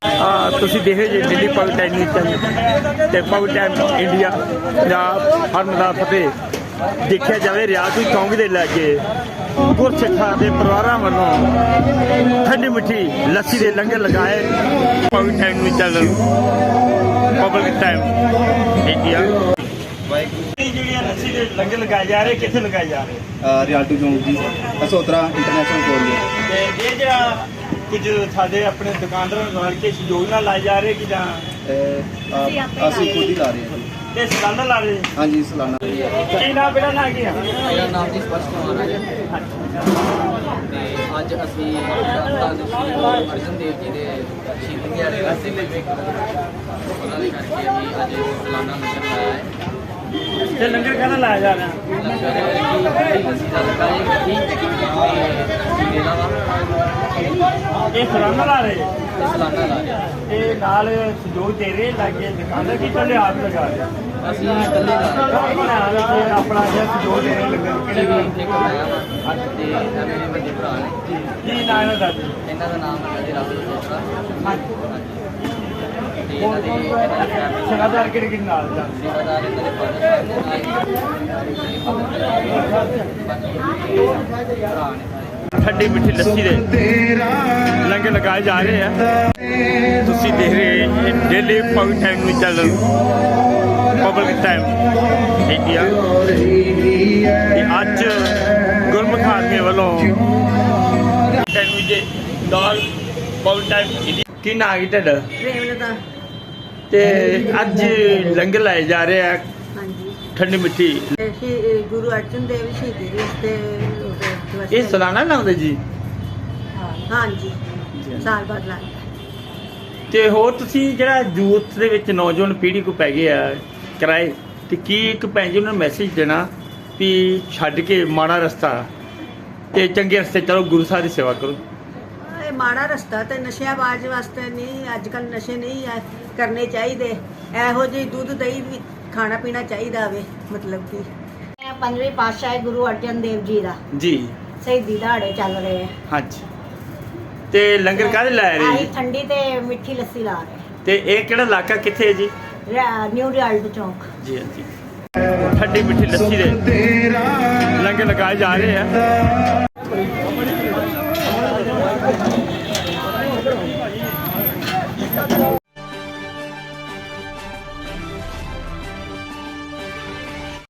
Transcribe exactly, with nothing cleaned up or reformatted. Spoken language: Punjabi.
ਤੁਸੀਂ ਦੇਖੇ ਜੇ Delhi public time news channel ਤੇ ਪਬਲਿਕ ਟਾਈਮ ਇੰਡੀਆ ਪੰਜਾਬ ਹਰ ਦਾ ਫਤਿਹ। ਦੇਖਿਆ ਜਾਵੇ ਰਿਆਤ ਚੌਂਕ ਦੇ ਲਾਗੇ ਗੁਰਸਿੱਖਾਂ ਦੇ ਪਰਿਵਾਰਾਂ ਵੱਲੋਂ ਠੰਡੀ ਮਿੱਠੀ ਲੱਸੀ ਦੇ ਲੰਗਰ ਲਗਾਏ। Public time news channel public time India ਜਿਹੜੀਆਂ ਲੱਸੀ ਦੇ ਲੰਗਰ ਲਗਾਏ ਜਾ ਰਹੇ ਕਿੱਥੇ ਲਗਾਏ ਜਾ ਰਹੇ? ਰਿਆਲਟੂ ਚੌਂਕ ਜੀ ਅਸੋਤਰਾ ਇੰਟਰਨੈਸ਼ਨਲ ਕਾਲਜ। ਤੇ ਇਹ ਜਿਹੜਾ ਕੁਝ ਸਾਡੇ ਆਪਣੇ ਦੁਕਾਨਦਾਰਾਂ ਨਾਲ ਕੇ ਸਹਿਯੋਗ ਨਾਲ ਲਾਏ ਜਾ ਰਹੇ ਕਿ ਜਾਂ ਅਸੀਂ ਖੁਦ ਹੀ ਲਾ ਰਹੇ ਹਾਂ। ਤੇ ਸਾਲਾਨਾ ਲਾ ਰਹੇ? ਹਾਂਜੀ ਸਾਲਾਨਾ। ਕੀ ਨਾਮ ਬੇਟਾ ਨਾਂ ਕੀ ਆ? ਮੇਰਾ ਨਾਮ ਜੀ ਸਪਸ਼ਟ ਕੁਮਾਰ ਹੈ ਤੇ ਅੱਜ ਅਸੀਂ ਧੰਨ ਸ਼੍ਰੀ ਗੁਰੂ ਅਰਜਨ ਦੇਵ ਜੀ ਦੇ ਸ਼ਹੀਦੀ ਦਿਹਾੜੇ ਵਾਸਤੇ ਉਹਨਾਂ ਦੇ ਕਰਕੇ ਅਸੀਂ ਅੱਜ ਸਾਲਾਨਾ ਲੰਗਰ ਲਾਇਆ ਹੈ। ਤੇ ਲੰਗਰ ਕਾਹਦਾ ਲਾਇਆ ਜਾ ਰਿਹਾ? ਲੰਗਰ ਦੀ ਲੱਸੀ ਦਾ ਲੱਗਾ ਹੈ ਗੱਡੀ ਤੇ ਮੇਲਾ ਵਾ ਇਹ ਸਾਲਾਨਾ ਲਾ ਰਹੇ? ਤੇ ਸਾਲਾਨਾ ਲਾ ਰਿਹਾ। ਇਹ ਨਾਲ ਸਹਿਯੋਗ ਦੇ ਰਹੇ ਲਾਗੇ ਦੁਕਾਨਦਾਰ ਕੀ ਕੱਲੇ ਆਪ ਲਗਾ ਰਹੇ? ਅਸੀਂ ਇਕੱਲੇ ਲਾ ਰਹੇ ਹਾਂ। ਆਪਣਾ ਜਿਹੜਾ ਸਹਿਯੋਗ ਦੇ ਰਹੇ ਲੰਗਰ ਇਹ ਕਿਹੜੇ ਵੀ ਇੱਕ ਆਇਆ ਵਾ ਤੇ ਇਹ ਮੇਰੇ ਵੱਡੇ ਭਰਾ ਨੇ। ਕੀ ਨਾਂ ਇਹਨਾਂ ਦਾ? ਇਹਨਾਂ ਦਾ ਨਾਮ ਹੈ ਜੀ ਰਾਹੁਲ ਚੋਪੜਾ। ਤੇ ਇਹਨਾਂ ਦੇ ਇਹਨਾਂ ਦੀ ਫੈਮਿਲੀ ਸੇਵਾਦਾਰ ਕਿਹੜੇ ਕਿਹੜੇ ਨਾਲ ਦਾ? ਸੇਵਾਦਾਰ ਇਹਨਾਂ ਦੇ ਫਾਦਰ ਸਾਹਿਬ ਨੇ ਨਾਲ ਭਰਾ ਨੇ। ਠੰਡੀ ਮਿੱਠੀ ਲੱਸੀ ਦੇ ਲੰਗਰ ਲਗਾਏ ਜਾ ਰਹੇ ਆ। ਤੁਸੀਂ ਦੇਖ ਰਹੇ daily public time news channel public time India. ਤੇ ਅੱਜ ਗੁਰਮੁਖ ਆਦਮੀ ਵੱਲੋਂ ਟਾਈਮ ਦੇ ਦਾਲ ਪਬਲਿਕ ਟਾਈਮ ਇੰਡੀਆ। ਕੀ ਨਾਂ ਹੈ ਤੁਹਾਡਾ? ਪ੍ਰੇਮਲਤਾ। ਤੇ ਅੱਜ ਲੰਗਰ ਲਾਏ ਜਾ ਰਹੇ ਆ ਹਾਂਜੀ। ਠੰਡੀ ਮਿੱਠੀ। ਸ਼੍ਰੀ ਗੁਰੂ ਅਰਜਨ ਦੇਵ ਸ਼ਹੀਦੀ ਦਿਵਸ ਤੇ ਇਹ ਸਾਲਾਨਾ ਲਾਉਂਦੇ ਜੀ? ਹਾਂਜੀ ਸਾਲ ਬਾਅਦ ਲੱਗਦਾ। ਤੇ ਹੋਰ ਤੁਸੀਂ ਜਿਹੜਾ ਯੂਥ ਦੇ ਵਿੱਚ ਨੌਜਵਾਨ ਪੀੜ੍ਹੀ ਕੋ ਪੈ ਗਏ ਆ ਕਿਰਾਏ ਤੇ ਕੀ ਇੱਕ ਭੈਣ ਜੀ ਉਹਨਾਂ ਨੂੰ ਮੈਸੇਜ ਦੇਣਾ ਵੀ ਛੱਡ ਕੇ ਮਾੜਾ ਰਸਤਾ ਤੇ ਚੰਗੇ ਰਸਤੇ ਚਲੋ, ਗੁਰੂ ਸਾਹਿਬ ਦੀ ਸੇਵਾ ਕਰੋ? ਇਹ ਮਾੜਾ ਰਸਤਾ ਤੇ ਨਸ਼ਿਆਬਾਜ਼ ਵਾਸਤੇ ਨਹੀਂ। ਅੱਜ ਕੱਲ ਨਸ਼ੇ ਨਹੀਂ ਆ ਕਰਨੇ ਚਾਹੀਦੇ। ਇਹੋ ਜਿਹੀ ਦੁੱਧ ਦਹੀਂ ਵੀ ਖਾਣਾ ਪੀਣਾ ਚਾਹੀਦਾ ਵੇ। ਮਤਲਬ ਕਿ ਪੰਜਵੇਂ ਪਾਤਸ਼ਾਹ ਗੁਰੂ ਅਰਜਨ ਦੇਵ ਜੀ ਦਾ ਜੀ ਸ਼ਹੀਦੀ ਦਿਹਾੜੇ ਚੱਲ ਰਹੇ ਆ। ਹਾਂਜੀ। ਤੇ ਲੰਗਰ ਕਾਹਦੇ ਲਾ ਰਹੇ ਆਹੀ ਜੀ? ਠੰਡੀ ਤੇ ਮਿੱਠੀ ਲੱਸੀ ਲਾ ਰਹੇ। ਤੇ ਇਹ ਕਿਹੜਾ ਇਲਾਕਾ ਕਿੱਥੇ ਹੈ ਜੀ? ਰਿਆ- ਨਿਊ ਰਿਆਲਟ ਚੌਂਕ। ਜੀ ਹਾਂਜੀ। ਠੰਡੀ ਮਿੱਠੀ ਲੱਸੀ ਦੇ ਲੰਗਰ ਲਗਾਏ ਜਾ ਰਹੇ ਆ।